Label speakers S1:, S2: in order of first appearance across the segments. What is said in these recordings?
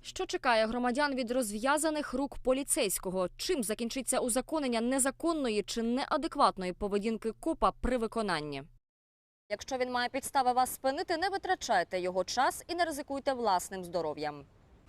S1: Що чекає громадян від розв'язаних рук поліцейського? Чим закінчиться узаконення незаконної чи неадекватної поведінки копа при виконанні? Якщо він має підстави вас спинити, не витрачайте його час і не ризикуйте власним здоров'ям.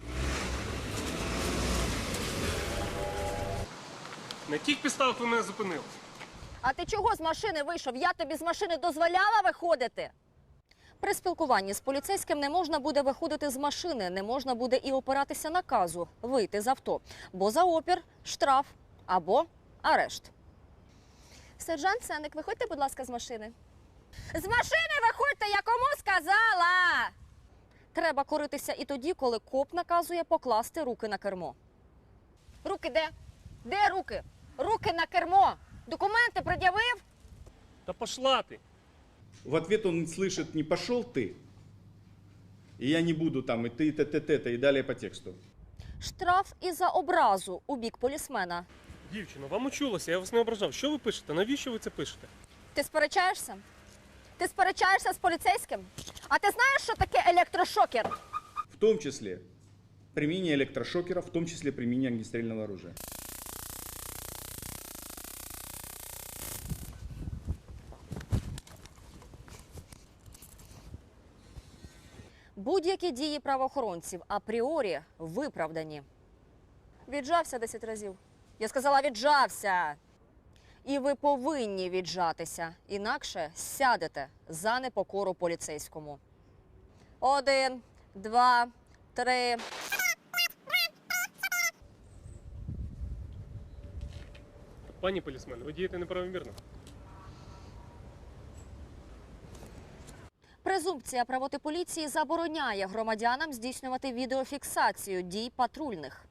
S2: На яких підставах ви мене зупинили?
S1: А ти чого з машини вийшов? Я тобі з машини дозволяла виходити? При спілкуванні з поліцейським не можна буде виходити з машини, не можна буде і опиратися наказу вийти з авто. Бо за опір – штраф або арешт. Сержант Сенник, виходьте, будь ласка, з машини. З машини виходьте, я кому сказала! Треба коритися і тоді, коли коп наказує покласти руки на кермо. Руки де? Де руки? Руки на кермо! Документи пред'явив?
S2: Та пошла ти!
S3: В ответ он слышит: не пошел ты, и я не буду там, и ты, т-т-т, и далее по тексту.
S1: Штраф і за образу у бік полісмена.
S2: Дівчино, вам учулося, я вас не ображав. Що ви пишете? Навіщо ви це пишете?
S1: Ти сперечаєшся? Ти сперечаєшся з поліцейським? А ти знаєш, що таке електрошокер?
S3: В том числе применение электрошокера, в том числе применение огнестрельного оружия.
S1: Будь-які дії правоохоронців апріорі виправдані. Віджався 10 разів. Я сказала, віджався. І ви повинні віджатися, інакше сядете за непокору поліцейському. 1, 2, 3.
S2: Пані полісмен, ви дієте неправомірно.
S1: Презумпція правоти поліції забороняє громадянам здійснювати відеофіксацію дій патрульних.